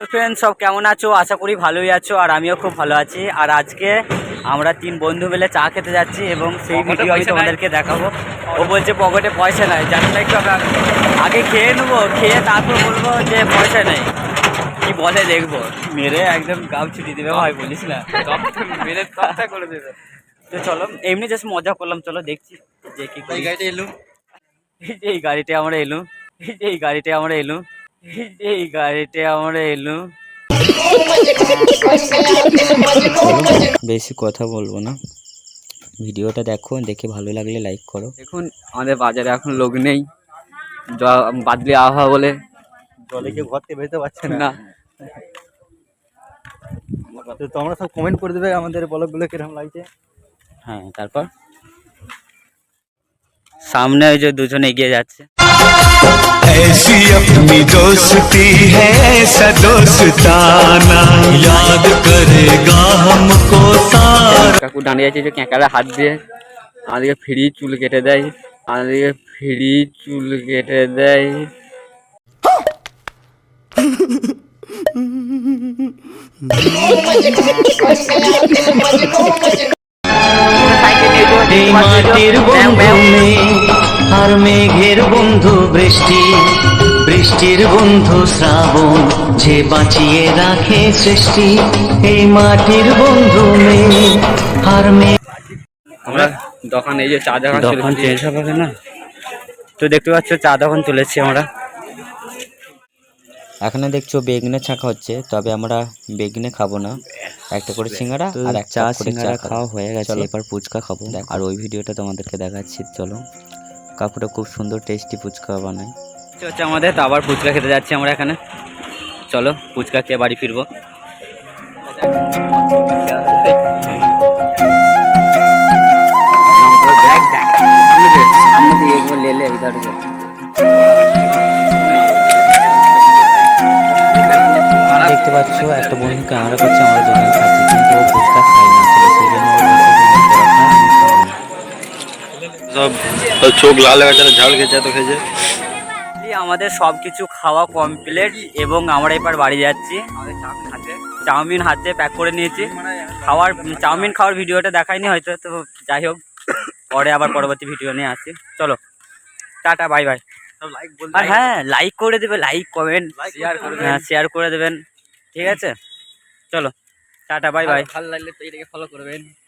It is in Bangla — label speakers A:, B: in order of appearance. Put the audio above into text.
A: ফ্রেন্ডস, সব কেমন আছো? আশা করি ভালোই আছো, আর আমিও খুব ভালো আছি। আর আজকে আমরা 3 বন্ধু মিলে চা খেতে যাচ্ছি এবং সেই ভিডিও আমি তোমাদেরকে দেখাবো। ও বলছে পকেটে পয়সা নাই, জানি না একটু আগে খেয়ে নেবো, খেয়ে তারপর বলবো যে পয়সা নেই। কি বলে দেখবো, মেরে একদম গাম ছুটি দেবে ভাই, বলিস না, মেরে তক্তা করে দেবে। তো চলো, এমনি জাস্ট মজা করলাম, চলো দেখছি যে কি করি। গাড়িটা এলুম, এই গাড়িতে আমরা এলুম, এই গাড়িতে আমরা এলুম, এই গাড়িতে আমরা এলুম। বেশি কথা বলবো না, ভিডিওটা দেখো, দেখে ভালো লাগলে লাইক করো। দেখুন আমাদের বাজারে এখন লোক নেই, বাদলি আবহাওয়া বলে জলে কেউ ঘর থেকে বেরোতে পারছে না। তো তোমরা সব কমেন্ট করে দেবে আমাদের ব্লগগুলো কিরকম লাগছে। হ্যাঁ, তারপর সামনে ওই যে দুজন এগিয়ে যাচ্ছে। ऐसी अपनी दोस्ती है ऐसा दोस्ताना याद करेगा हमको सारा। কাকু দাঁড়িয়ে আছে যে ক্যাঁকারা হাত দিয়ে আমাদেরকে ফ্রি চুল কেটে দেয়, আমাদেরকে ফ্রি চুল কেটে দেয়। মাটির বন্ধু আর মেঘের বন্ধু বৃষ্টি, বৃষ্টির বন্ধু শ্রাবণ, যে বাঁচিয়ে রাখে সৃষ্টি। এই মাটির বন্ধু আর মেঘ। আমরা দোকান, এই যে চা দোকান চেঞ্জ হবে না, তো দেখতে পাচ্ছ চা দোকান চলেছি আমরা। এখানে দেখছো বেগনে ছাকা হচ্ছে, তবে আমরা বেগনে খাবো না, একটা করে সিঙ্গারা আর একটা চা। সিঙ্গারা খাওয়া হয়ে গেছে, এবার ফুচকা খাবো, আর ওই ভিডিওটা তোমাদেরকে দেখাচ্ছি। চলো, কাকুটা খুব সুন্দর টেস্টি ফুচকা বানায়। হচ্ছে আমাদের, তো আবার ফুচকা খেতে যাচ্ছি আমরা এখানে। চলো ফুচকা খেয়ে বাড়ি ফিরবো। দেখতে পাচ্ছ একটা বন্ধু ক্যামেরা করছে, আমরা দুজন খাচ্ছি, কিন্তু ও ফুচকা খাই না, সেই জন্য
B: সব চোখ লাল হয়ে গেছে, ঝাল খেয়েছে, এত খেয়েছে।
A: আমাদের সব কিছু খাওয়া কমপ্লিট এবং আমরা এবার বাড়ি যাচ্ছি। চাউমিন হাতে প্যাক করে নিয়েছি, চাউমিন খাওয়ার ভিডিওটা দেখাইনি হয়তো, তো যাই হোক, পরে আবার পরবর্তী ভিডিও নিয়ে আসছি। চলো টাটা, বাই বাই। আর হ্যাঁ, লাইক করে দেবে, লাইক কমেন্ট শেয়ার করে দেবেন, ঠিক আছে? চলো টাটা, বাই বাই। ভালো লাগলে তো এটাকে ফলো করবেন।